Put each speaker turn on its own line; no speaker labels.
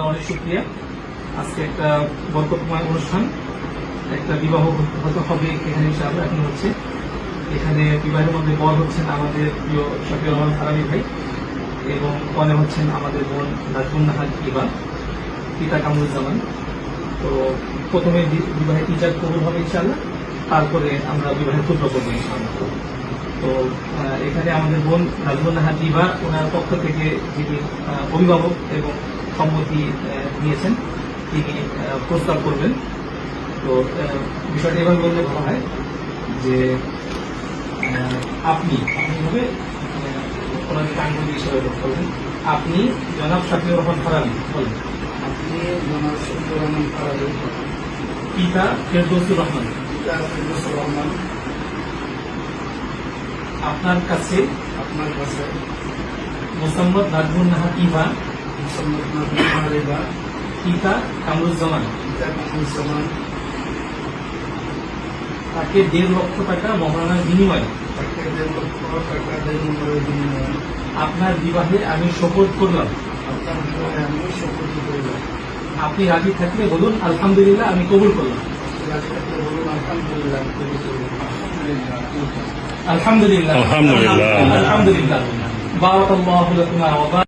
অনেক শুকরিয়া। আজকে একটা বরকতময় অনুষ্ঠান, একটা বিবাহ হয়তো হবে এখানে ইনশাআল্লাহ। এখন হচ্ছে এখানে বিবাহের মধ্যে বর হচ্ছেন আমাদের প্রিয় শফিউর রহমান ফারাবী ভাই এবং কনে হচ্ছেন আমাদের বোন নাজমুন নাহার ইবা, পিতা কামরুজ্জামান। তো প্রথমে বিবাহের ইজাব কবুল হবে ইনশাআল্লাহ, তারপরে আমরা বিবাহের ক্ষুদ্র করবো ইনশাআল্লাহ। তো এখানে আমাদের বোন নাজমুন নাহার ইবা, ওনার পক্ষ থেকে যিনি অভিভাবক এবং সম্মতি নিয়েছেন, তিনি প্রস্তাব করবেন। তো বিষয়টা এভাবে বললে ভালো হয় যে আপনি হবে ওনাকে কাঙ্গুলি হিসেবে বলবেন। আপনি জনাব শফিউর রহমান ফারাবী বলেন।
আপনি জনাব শফিউর রহমান ফারাবী,
পিতা ফেরদৌসুর রহমান, আপনার কাছে মোসাম্মদ নাজমুন নাহার ইবা, পিতা কামরুজ্জামান, তাকে 1.5 লক্ষ টাকা মহারণার বিনিময়ে আপনার বিবাহে আমি শপথ করলাম। আপনি রাজি থাকলে বলুন আলহামদুলিল্লাহ, আমি কবুল করলাম। আলহামদুলিল্লাহ, আলহামদুলিল্লাহ, আলহামদুলিল্লাহ। বারাকাল্লাহু লাকুমা ওয়া